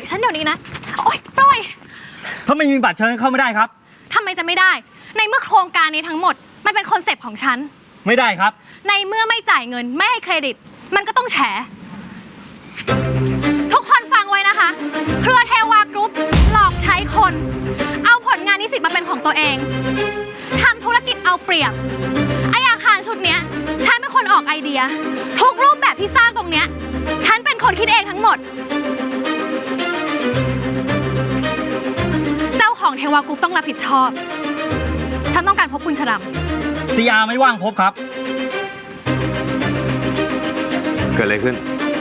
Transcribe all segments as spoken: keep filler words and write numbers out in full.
ฉันเดี๋ยวนี้นะโอ๊ยปล่อยถ้าไม่มีบัตรเชิญเข้าไม่ได้ครับทำไมจะไม่ได้ในเมื่อโครงการนี้ทั้งหมดมันเป็นคอนเซปต์ของฉันไม่ได้ครับในเมื่อไม่จ่ายเงินไม่ให้เครดิตมันก็ต้องแฉทุกคนฟังไว้นะคะเครือเทวากรุ๊ปหลอกใช้คนเอาผลงานนิสิตมาเป็นของตัวเองทำธุรกิจเอาเปรียบไออาคารชุดเนี้ยฉันเป็นคนออกไอเดียทุกรูปแบบที่สร้างตรงเนี้ยฉันเป็นคนคิดเองทั้งหมดเจ้าของเทวากรุ๊ปต้องรับผิดชอบฉันต้องการพบคุณชรัมซีอาไม่ว่างพบครับเกิดอะไรขึ้น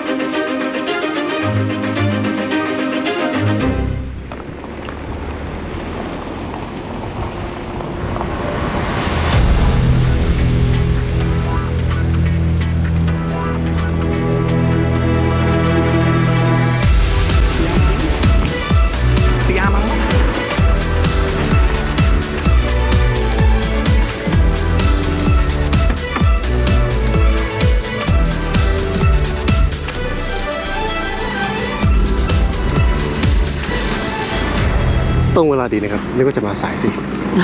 ตรงเวลาดีนะครับนึกว่าจะมาสายสิ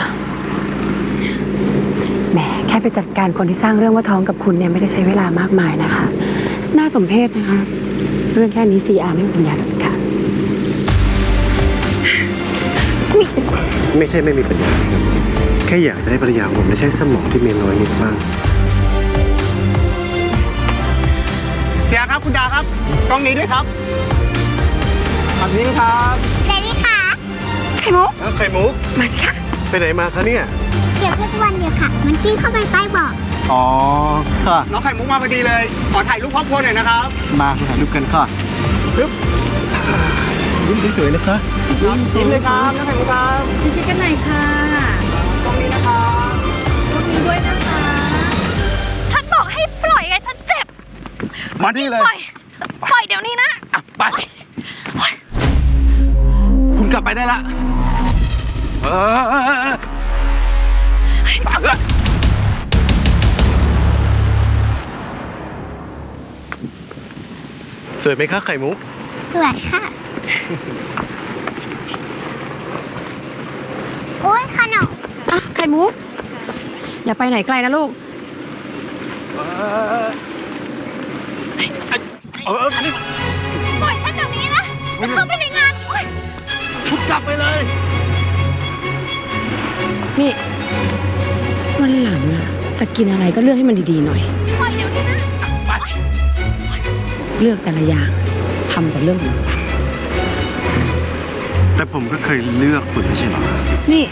แหมแค่ไปจัดการคนที่สร้างเรื่องว่าท้องกับคุณเนี่ยไม่ได้ใช้เวลามากมายนะคะน่าสมเพชนะคะเรื่องแค่นี้ ซี อาร์ ไม่มีปัญญาจัดการไม่ใช่ไม่มีปัญญาครับแค่อยากจะให้ภรรยาผมได้ใช้สมองที่มีน้อยนิดบ้างเสียครับคุณดาครับกล้องนี้ด้วยครับแบบนี้ครับเรดี้ค่ะไข่มุกไข่มุกมาสิคะไปไหนมาคะเนี่ยเก็บทุกวันเดียวค่ะมันกิ้งเข้าไปใต้เบาะอ๋อค่ะน้องไข่มุกมาพอดีเลยขอถ่ายรูปครอบครัวหน่อยนะครับมาถ่ายรูปกันค่ะปึ๊บยิ้มสวยๆนะคะยิ้มเลยครับน้องไข่มุกครับยิ้มกันหน่อยค่ะกล้องนี้นะครับกล้องนี้ด้วยนะคะฉันบอกให้ปล่อยไงฉันเจ็บมาที่เลยปล่อยปล่อยเดี๋ยวนี้นะไปคุณกลับไปได้ละเออสวยไหมคะไข่มุกสวยค่ะโอ๊ยขนมอ่ะไข่มุกอย่าไปไหนไกลนะลูกปล่อยฉันเดี๋ยวนี้นะจะเข้าไปในงานคุณกลับไปเลยนี่วันหลังอะจะกินอะไรก็เลือกให้มันดีๆหน่อยปล่อยเดี๋ยวนี้นะเลือกแต่ละอย่างทำแต่เรื่องของเราแต่ผมก็เคยเลือกคุณไม่ใช่หรอนี่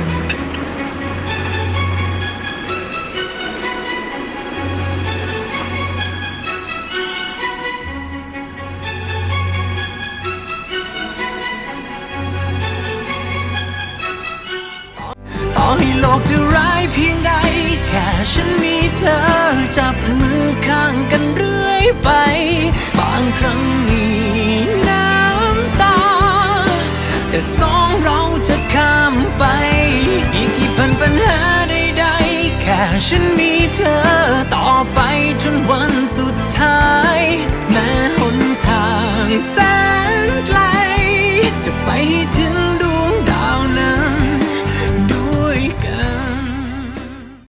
ต่อให้โลกจะร้ายเพียงใดแค่ฉันมีเธอจับมือข้างกันเรื่อยไปบางครั้งมีน้ำตาแต่สองเราจะข้ามไปอีกกี่พันปัญหาใดๆแค่ฉันมีเธอต่อไปจนวันสุดท้ายแม้หนทางแสนไกลจะไปให้ถึง